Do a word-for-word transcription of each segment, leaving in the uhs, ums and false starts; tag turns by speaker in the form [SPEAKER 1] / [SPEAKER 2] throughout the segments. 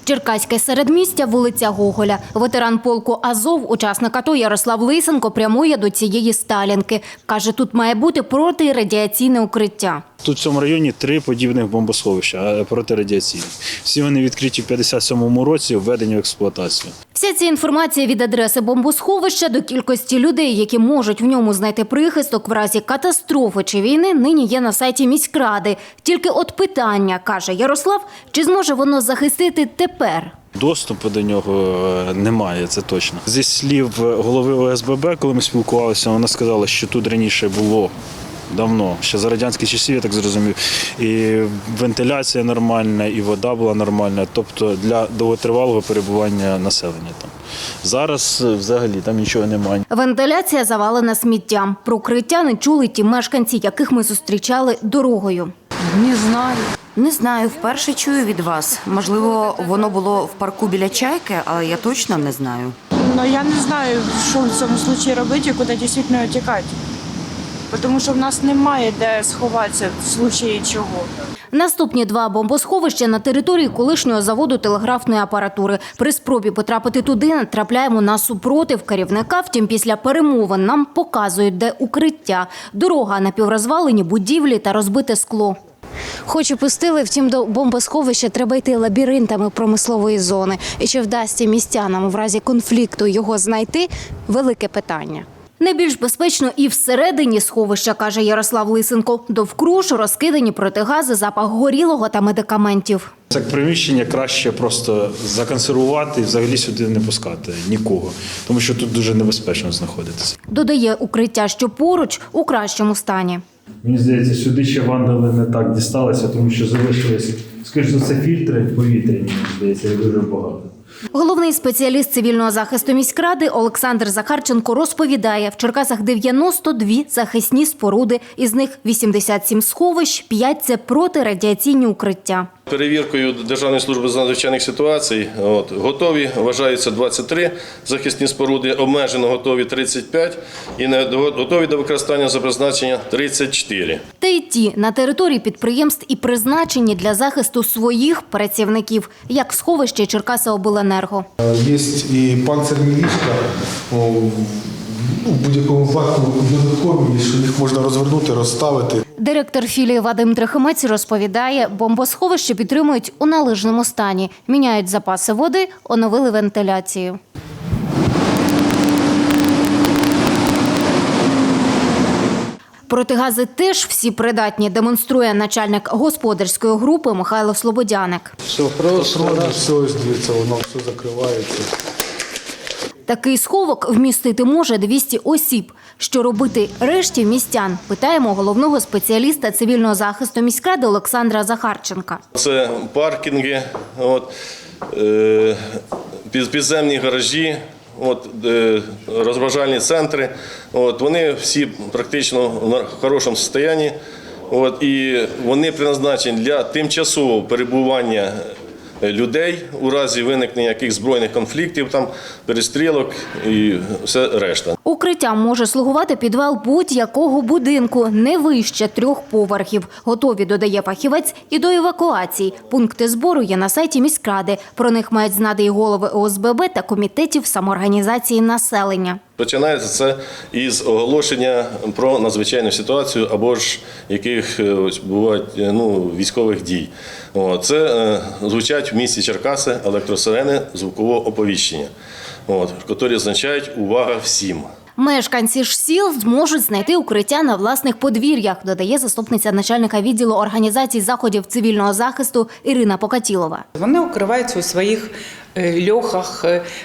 [SPEAKER 1] Черкаське середмістя, вулиця Гоголя. Ветеран полку «Азов», учасник АТО Ярослав Лисенко прямує до цієї Сталінки. Каже, тут має бути протирадіаційне укриття.
[SPEAKER 2] Тут в цьому районі три подібних бомбосховища протирадіаційні. Всі вони відкриті в п'ятдесят сьомому році, введені в експлуатацію.
[SPEAKER 1] Вся ця інформація від адреси бомбосховища до кількості людей, які можуть в ньому знайти прихисток в разі катастрофи чи війни, нині є на сайті міськради. Тільки от питання, каже Ярослав, чи зможе воно захистити тепер?
[SPEAKER 2] Доступу до нього немає, це точно. Зі слів голови О С Б Б, коли ми спілкувалися, вона сказала, що тут раніше було давно, ще за радянських часів, я так зрозумів, і вентиляція нормальна, і вода була нормальна, тобто для довготривалого перебування населення там. Зараз взагалі там нічого немає.
[SPEAKER 1] Вентиляція завалена сміттям. Про укриття не чули ті мешканці, яких ми зустрічали дорогою.
[SPEAKER 3] Не знаю.
[SPEAKER 4] Не знаю, вперше чую від вас. Можливо, воно було в парку біля Чайки, але я точно не знаю.
[SPEAKER 3] Но я не знаю, що в цьому випадку робити і куди дійсно тікати. Тому що в нас немає де сховатися в случаї чого.
[SPEAKER 1] Наступні два бомбосховища на території колишнього заводу телеграфної апаратури. При спробі потрапити туди натрапляємо на супротив керівника. Втім, після перемовин нам показують, де укриття. Дорога, напіврозвалені будівлі та розбите скло. Хоч і пустили, втім, до бомбосховища треба йти лабіринтами промислової зони. І чи вдасться містянам в разі конфлікту його знайти – велике питання. Найбільш безпечно і всередині сховища, каже Ярослав Лисенко. Довкруж розкидані протигази, запах горілого та медикаментів.
[SPEAKER 2] Це приміщення краще просто законсервувати і взагалі сюди не пускати нікого, тому що тут дуже небезпечно знаходитися.
[SPEAKER 1] Додає, укриття, що поруч, у кращому стані.
[SPEAKER 2] Мені здається, сюди ще вандали не так дісталися, тому що залишилися, скажімо, за це фільтри повітряні, мені здається, дуже багато.
[SPEAKER 1] Головний спеціаліст цивільного захисту міськради Олександр Захарченко розповідає, в Черкасах дев'яносто дві захисні споруди, із них вісімдесят сім сховищ, п'ять – це протирадіаційні укриття.
[SPEAKER 5] Перевіркою Державної служби з надзвичайних ситуацій от, готові вважаються двадцять три захисні споруди, обмежено готові тридцять п'ять і не готові до використання за призначення тридцять чотири.
[SPEAKER 1] Та й ті на території підприємств і призначені для захисту своїх працівників, як сховище Черкасиобленерго.
[SPEAKER 6] Є і панцирні ліжка, у будь-якому випадку додаткові, що їх можна розвернути, розставити.
[SPEAKER 1] Директор філії Вадим Трохимець розповідає, бомбосховище підтримують у належному стані. Міняють запаси води, оновили вентиляцію. Протигази теж всі придатні, демонструє начальник господарської групи Михайло Слободяник.
[SPEAKER 6] Все просто, все здється, воно все закривається.
[SPEAKER 1] Такий сховок вмістити може двісті осіб. Що робити решті містян? Питаємо головного спеціаліста цивільного захисту міськради Олександра Захарченка.
[SPEAKER 5] Це паркінги, от, е, підземні гаражі, от, е, розважальні центри. От, вони всі практично в хорошому стані. От, і вони призначені для тимчасового перебування людей у разі виникнення яких збройних конфліктів, там перестрілок і все решта.
[SPEAKER 1] Укриттям може слугувати підвал будь-якого будинку, не вище трьох поверхів. Готові, додає фахівець, і до евакуації. Пункти збору є на сайті міськради. Про них мають знати і голови О С Б Б та комітетів самоорганізації населення. Починається
[SPEAKER 5] це із оголошення про надзвичайну ситуацію або ж яких ось, бувають ну, військових дій. О, це е, звучать в місті Черкаси електросирени звукового оповіщення, от, які означають «увага всім».
[SPEAKER 1] Мешканці ж сіл зможуть знайти укриття на власних подвір'ях, додає заступниця начальника відділу організацій заходів цивільного захисту Ірина Покатілова.
[SPEAKER 7] Вони укриваються у своїх льохах,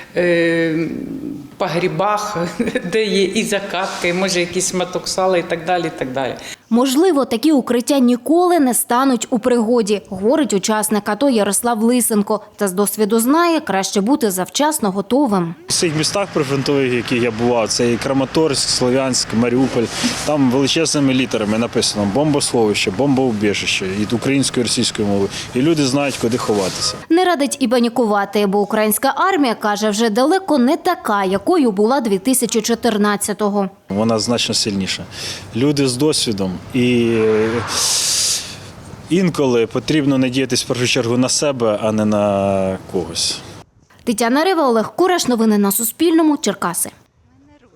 [SPEAKER 7] погрібах, де є і закатки, може якісь моток сала і так далі, і так далі.
[SPEAKER 1] Можливо, такі укриття ніколи не стануть у пригоді, говорить учасник АТО Ярослав Лисенко. Та з досвіду знає, краще бути завчасно готовим.
[SPEAKER 2] В цих містах прифронтових, в яких я бував, це і Краматорськ, Слов'янськ, Маріуполь, там величезними літерами написано бомбосховище, бомбоубіжище, і українською, і російською мовою. І люди знають, куди ховатися.
[SPEAKER 1] Не радить і панікувати, бо українська армія, каже, вже далеко не така, якою була дві тисячі чотирнадцятого.
[SPEAKER 2] Вона значно сильніша. Люди з досвідом і інколи потрібно надіятись в першу чергу на себе, а не на когось.
[SPEAKER 1] Тетяна Рева, Олег Кураш. Новини на Суспільному. Черкаси.